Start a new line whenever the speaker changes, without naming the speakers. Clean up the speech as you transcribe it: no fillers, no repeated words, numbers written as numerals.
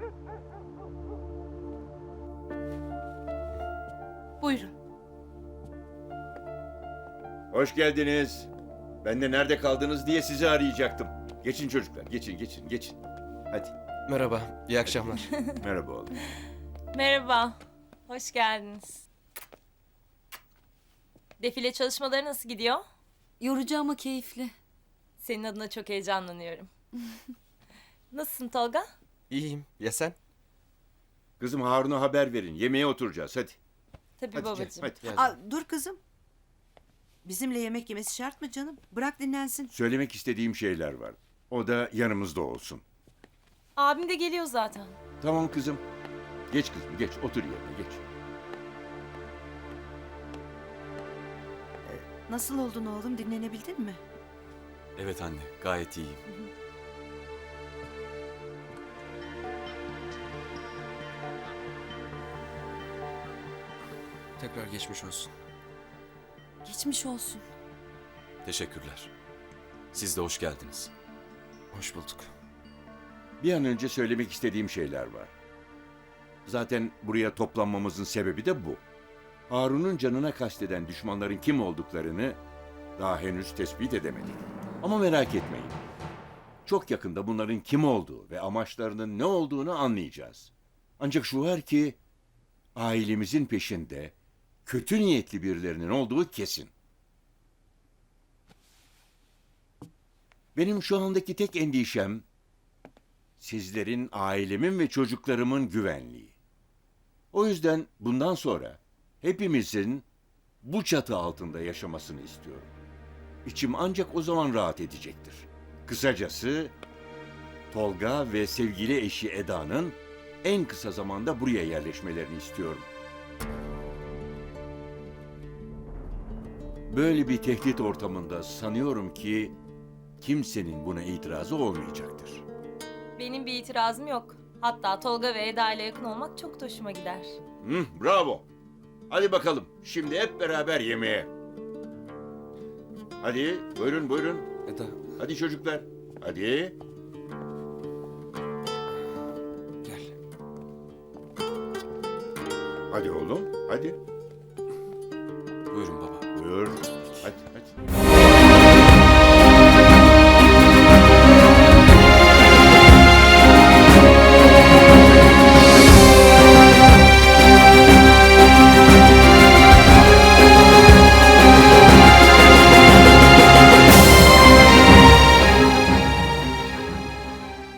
Buyurun.
Hoş geldiniz. Ben de nerede kaldınız diye sizi arayacaktım. Geçin çocuklar, geçin. Hadi.
Merhaba, iyi akşamlar.
Merhaba oğlum.
Merhaba. Hoş geldiniz. Defile çalışmaları nasıl gidiyor?
Yorucu ama keyifli.
Senin adına çok heyecanlanıyorum. Nasılsın Tolga?
İyiyim, ya sen?
Kızım Harun'a haber verin. Yemeğe oturacağız hadi.
Tabii
Hadi
babacığım.
canım, hadi.
Gel.
Dur kızım. Bizimle yemek yemesi şart mı canım? Bırak dinlensin.
Söylemek istediğim şeyler var. O da yanımızda olsun.
Abim de geliyor zaten.
Tamam kızım. Geç kızım, geç. Otur yerine, geç.
Nasıl oldun oğlum? Dinlenebildin mi?
Evet anne, gayet iyiyim.
Tekrar geçmiş olsun.
Geçmiş olsun.
Teşekkürler. Siz de hoş geldiniz.
Hoş bulduk.
Bir an önce söylemek istediğim şeyler var. Zaten buraya toplanmamızın sebebi de bu. Harun'un canına kasteden düşmanların kim olduklarını daha henüz tespit edemedik. Ama merak etmeyin. Çok yakında bunların kim olduğu ve amaçlarının ne olduğunu anlayacağız. Ancak şu var ki ailemizin peşinde kötü niyetli birilerinin olduğu kesin. Benim şu andaki tek endişem sizlerin, ailemin ve çocuklarımın güvenliği. O yüzden bundan sonra hepimizin bu çatı altında yaşamasını istiyorum. İçim ancak o zaman rahat edecektir. Kısacası Tolga ve sevgili eşi Eda'nın en kısa zamanda buraya yerleşmelerini istiyorum. Böyle bir tehdit ortamında sanıyorum ki kimsenin buna itirazı olmayacaktır.
Benim bir itirazım yok. Hatta Tolga ve Eda ile yakın olmak çok da hoşuma gider.
Bravo. Hadi bakalım. Şimdi hep beraber yemeğe. Hadi buyurun.
Eda,
Hadi çocuklar. Hadi.
gel.
Hadi oğlum. Hadi.
Buyurun baba.
Buyur. Hadi.